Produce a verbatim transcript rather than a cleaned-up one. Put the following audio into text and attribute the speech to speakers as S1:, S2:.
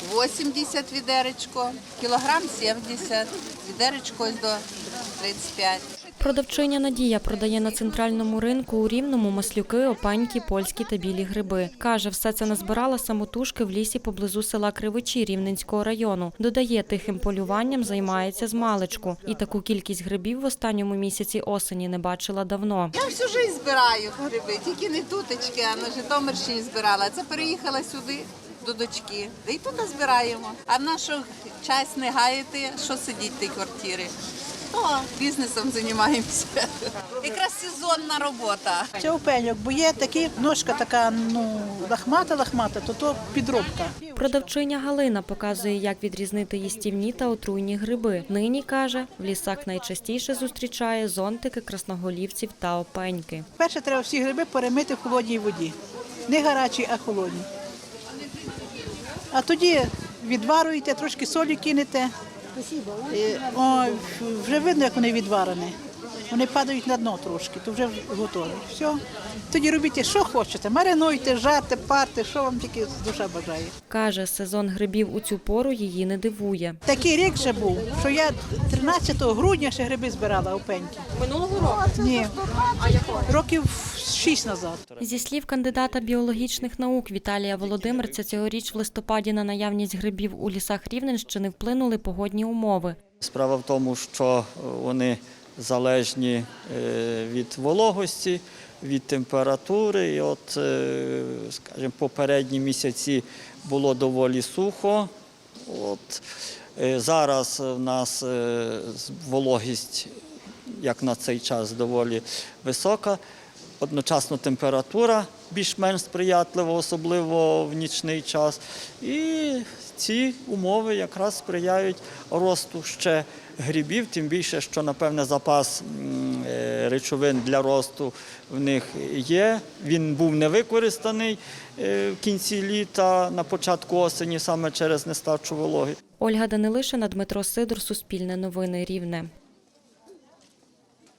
S1: вісімдесят відеречко, кілограм сімдесят, відеречко ось до тридцять п'ять.
S2: Продавчиня Надія продає на центральному ринку у Рівному маслюки, опеньки, польські та білі гриби. Каже, все це назбирала самотужки в лісі поблизу села Кривичі Рівненського району. Додає, тихим полюванням займається змалечку. І таку кількість грибів в останньому місяці осені не бачила давно.
S1: Я всю життя збираю гриби, тільки не тутечки, а на Житомирщині збирала. Це переїхала сюди до дочки. І тут збираємо. А в нашу час не гаяти, що сидіть в тій квартирі. О, бізнесом займаємося. Якраз сезонна робота.
S3: Це опеньок, бо є такі, ножка така, ну, лахмата-лахмата, то то підробка.
S2: Продавчиня Галина показує, як відрізнити їстівні та отруйні гриби. Нині, каже, в лісах найчастіше зустрічає зонтики, красноголівців та опеньки.
S3: Перше треба всі гриби перемити в холодній воді. Не гарячій, а холодній. А тоді відварюєте, трошки солі кинете. О, вже видно, як вони відварені. Вони падають на дно трошки, то вже готові. Все. Тоді робіть, що хочете. Маринуйте, жарте, парте, що вам тільки душа бажає.
S2: Каже, сезон грибів у цю пору її не дивує.
S3: Такий рік ще був, що я тринадцятого грудня ще гриби збирала опеньки.
S2: Минулого року?
S3: Ні. А якого? Років шість назад.
S2: Зі слів кандидата біологічних наук Віталія Володимирця, цьогоріч в листопаді на наявність грибів у лісах Рівненщини вплинули погодні умови.
S4: Справа в тому, що вони залежні від вологості, від температури. І от, скажімо, попередні місяці було доволі сухо. От, зараз у нас вологість, як на цей час, доволі висока. Одночасно температура більш-менш сприятлива, особливо в нічний час. І ці умови якраз сприяють росту ще грибів, тим більше, що, напевне, запас речовин для росту в них є. Він був не використаний в кінці літа, на початку осені, саме через нестачу вологи.
S2: Ольга Данилишина, Дмитро Сидор, Суспільне новини, Рівне.